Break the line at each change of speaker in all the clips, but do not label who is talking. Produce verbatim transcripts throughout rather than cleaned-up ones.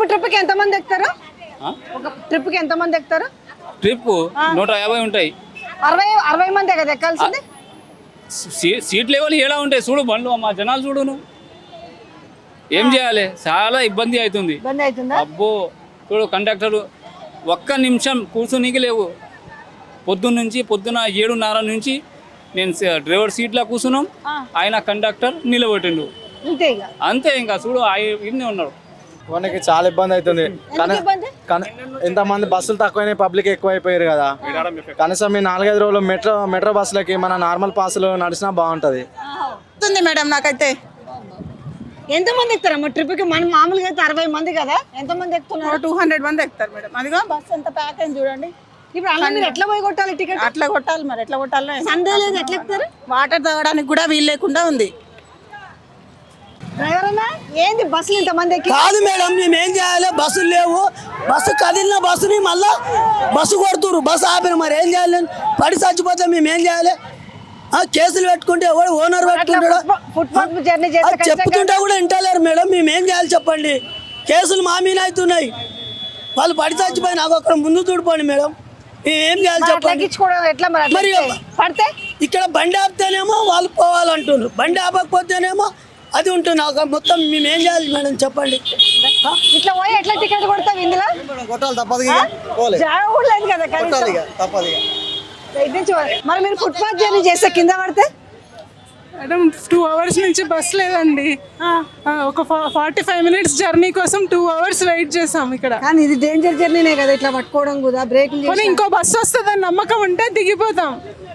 Trip కి ఎంత మంది ఎక్కుతారు? ఒక ట్రిప్ కి ఎంత మంది ఎక్కుతారు?
ట్రిప్ నూట యాభై ఉంటాయి.
అరవై అరవై మందే కదా ఎక్కాల్సింది.
సీట్ లెవెల్ ఎలా ఉంటాయి చూడు, బండ్లు మా జనాలు చూడును. ఏం చేయాలి, చాలా ఇబ్బంది అవుతుంది.
ఇబ్బంది అవుతుందా?
అబ్బో చూడు, కండక్టర్ ఒక్క నిమిషం కూర్చునికి లేవు. పొద్దున్న నుంచి పొద్దున ఏడున్నర నుంచి నేను డ్రైవర్ సీట్లో కూర్చున్నాం, ఆయన కండక్టర్ నిలబెట్టిండు.
అంతే ఇక
అంతే, ఇంకా చూడు ఇన్నే ఉన్నాడు.
మనకి చాలా ఇబ్బంది అవుతుంది. ఇంతమంది బస్సులు తక్కువైనాయి, పబ్లిక్ ఎక్కువైపోయారు కదా. కనీసం ఈ నాలుగైదు రోజులు మెట్రో మెట్రో బస్సులకి మన నార్మల్ పాసులు నడిచినా బాగుంటది
మేడం. నాకైతే
ఎంత మంది ఎక్కుతారమ్మా ట్రిప్ కి? మనం మామూలుగా అయితే అరవై మంది కదా, ఎంత మంది ఎక్కుతున్నారు?
టూ హండ్రెడ్ మంది ఎక్కుతారు మేడం. అదిగో బస్ ఎంత ప్యాక్ అయింది చూడండి.
ఇప్పుడు అలా మీరు ఎట్లా పోయి కొట్టాలి టికెట్?
అట్లా కొట్టాలి మరి, ఎట్లా కొట్టాలి?
సందే లేదు, ఎట్లా ఎక్కుతారు?
వాటర్ తాగడానికి కూడా వీలు లేకుండా ఉంది.
డ్రైవర్ అన్నా ఏంది బస్సులు ఇంత మంది ఎక్కి?
కాదు మేడం, మేము ఏం చేయాలి? బస్సులు లేవు, బస్సు కదిలిన బస్సుని మళ్ళా బస్సు కొడుతురు, బస్సు ఆపిన. మరి ఏం చేయాలి? పడి చచ్చిపోతే మేము ఏం చేయాలి? కేసులు పెట్టుకుంటే ఎవడు ఓనర్ పెట్టుకుంటాడు? చెప్పుతుంటే కూడా వింటలేరు మేడం. మేము ఏం చేయాలి చెప్పండి? కేసులు మా మీద అవుతున్నాయి, వాళ్ళు పడి చచ్చిపోయి నాకు అక్కడ ముందు చూడిపోండి మేడం. మేము ఏం చేయాలి చెప్పండి? మరి
పడితే
ఇక్కడ బండి ఆపితేనేమో వాళ్ళు పోవాలంటున్నారు, బండి ఆపకపోతేనేమో అది ఉంటుంది. మొత్తం మేము ఏం చేయాలి మేడం చెప్పండి?
ఇట్లా పోయి ఎట్లా టికెట్ కొడతాం? ఇందులో
కొట్టాలి, తప్పదు
జాగా కూడా లేదు కదా కనీసం.
తప్పదు.
మరి మీరు ఫుట్పాత్ జర్నీ చేస్తే కింద పడితే?
మేడం టూ అవర్స్ నుంచి బస్ లేదండి. ఒక ఫార్టీ ఫైవ్ మినిట్స్ జర్నీ కోసం టూ అవర్స్ వెయిట్ చేసాం ఇక్కడ.
కానీ ఇది డేంజర్ జర్నీనే కదా, ఇట్లా పట్టుకోవడం కూడా. బ్రేక్
ఇంకో బస్సు వస్తుందని నమ్మకం ఉంటే దిగిపోతాం.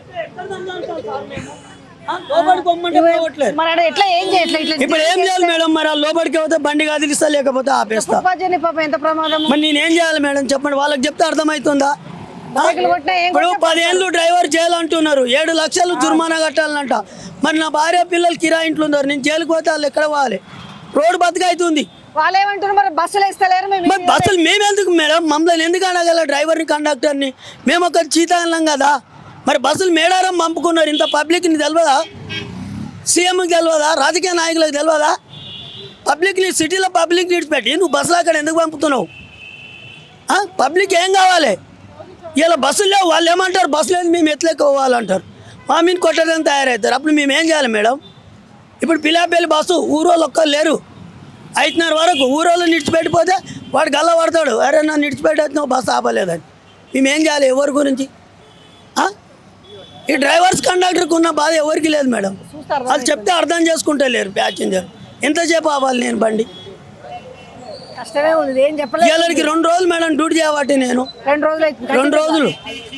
మరి ఎట్లా ఏం చేయట్లేదు?
ఇప్పుడు ఏం చేయాలి మేడం? మరి లోపలికి పోతే బండి కదిలిస్తా, లేకపోతే ఆపేస్తా.
ఫుట్పాత్ జర్నీ పాపం ఎంత ప్రమాదం.
మరి నేనేం చేయాలి మేడం చెప్పండి? వాళ్ళకి చెప్తే అర్థమవుతుందా? ఇప్పుడు పదేళ్ళు డ్రైవర్ జైలు అంటున్నారు, ఏడు లక్షలు జుర్మానా కట్టాలంట. మరి నా భార్య పిల్లలు కిరాయి ఇంట్లో ఉన్నారు, నేను జైలుకి పోతే వాళ్ళు ఎక్కడ పోవాలి? రోడ్డు బతుకైతుంది.
వాళ్ళు ఏమంటారు మరి బస్సులు వేస్తలేరు?
మరి బస్సులు మేమెందుకు మేడం? మమ్మల్ని ఎందుకు అనగల డ్రైవర్ని కండక్టర్ని? మేము ఒక చీతాన్నాం కదా. మరి బస్సులు మేడారం పంపుకున్నారు, ఇంత పబ్లిక్ని తెలియదా? సీఎంకి తెలియదా? రాజకీయ నాయకులకు తెలియదా? పబ్లిక్ని సిటీలో పబ్లిక్ విడిచిపెట్టి నువ్వు బస్సులు అక్కడ ఎందుకు పంపుతున్నావు? పబ్లిక్ ఏం కావాలి? ఇలా బస్సులు లేవు, వాళ్ళు ఏమంటారు? బస్సు లేదు మేము ఎట్లెక్కోవాలంటారు, మా మీద కొట్టడానికి తయారవుతారు. అప్పుడు మేము ఏం చేయాలి మేడం? ఇప్పుడు పిలాపల్లి బస్సు ఊరోళ్ళు ఒక్కరు లేరు, ఐదున్నర వరకు ఊరోళ్ళు నిడిచిపెట్టిపోతే వాడు గల్ల పడతాడు, అరే నన్ను నిడిచిపెట్టి బస్సు ఆపలేదని. మేము ఏం చేయాలి? ఎవరి గురించి? ఈ డ్రైవర్స్ కండక్టర్కి ఉన్న బాధ ఎవరికి లేదు మేడం. వాళ్ళు చెప్తే అర్థం చేసుకుంటే లేరు ప్యాసింజర్. ఎంతసేపు ఆపాలి నేను బండి?
కష్టమే ఉంది, ఏం చెప్పలేదు.
వీళ్ళకి రెండు రోజులు మేడం డ్యూటీ చేయబట్టి నేను
రెండు రోజులు
రెండు రోజులు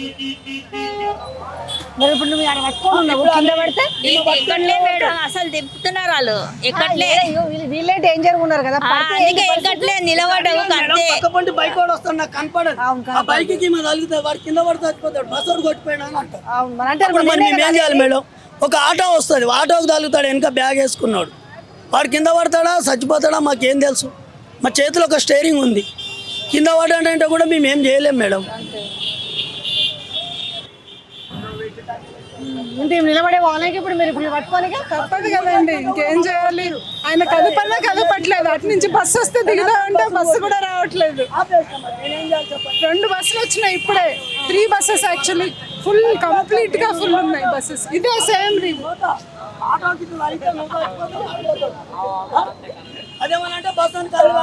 మరి ఇప్పుడు నువ్వు ఆడ పట్టుకోనున్నావు, కింద పడితే
ఎక్కట్లే మేడం, అసలు తిప్పుతున్నారు వాళ్ళు. ఎక్కట్లే,
వీళ్ళే డేంజర్ ఉన్నారు కదా.
ఎక్కట్లే, నిలబడవు.
పక్కపంటి బైక్ వాడు వస్తాడు, నాకు కనపడదు. ఆ బైక్ కి మన తగులుతాడు, వాడు కింద పడితే చచ్చిపోతాడు, బస్ వాడు కొట్టిపోయినా అని అంటారు. మరి మేము ఏం చేయాలి మేడం? ఒక ఆటో వస్తుంది, ఆటోకి తగులుతాడు, వెనక బ్యాగ్ వేసుకున్నాడు, వాడు కింద పడతాడా చచ్చిపోతాడా మాకేం తెలుసు? మా చేతిలో ఒక స్టీరింగ్ ఉంది, కింద పడాడంటే కూడా మేము ఏం చేయలేం మేడం.
నిలబడే వాళ్ళకి ఇప్పుడు మీరు ఇప్పుడు పట్టుకోనిక
తప్పదు కదండి, ఇంకేం చేయాలి? ఆయన కదపన్నా కదపట్లేదు, అటు నుంచి బస్సు వస్తే దిగుదా అంటే బస్సు కూడా రావట్లేదు. రెండు బస్సులు వచ్చినాయి ఇప్పుడే, three buses actually full complete గా ఫుల్ ఉన్నాయి బస్సెస్. ఇదే సేమ్ రీవ్.
అదేమనంటే బస్సు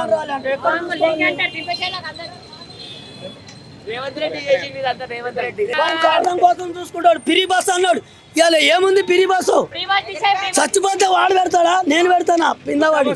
కోసం చూసుకుంటాడు, పిరి బస్సు అన్నాడు. ఇవాళ ఏముంది పిరి బస్సు? చచ్చిపోతే వాడు పెడతాడా? నేను పెడతానా? పిందవాడి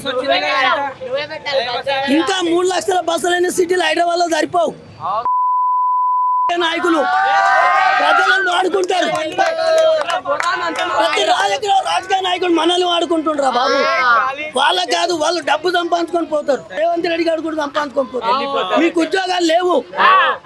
ఇంకా మూడు లక్షల బస్సులైన సిటీలు హైదరాబాద్ లో సరిపోవు. నాయకులు ప్రజలను వాడుకుంటారు, ప్రతి రాజకీయ రాజకీయ నాయకులు మనల్ని వాడుకుంటుండ్రా బాబు. వాళ్ళకి కాదు, వాళ్ళు డబ్బు సంపాదించుకొని పోతారు. రేవంత్ రెడ్డి గారు కూడా సంపాదించుకొని పోతారు. మీకు ఉద్యోగాలు లేవు.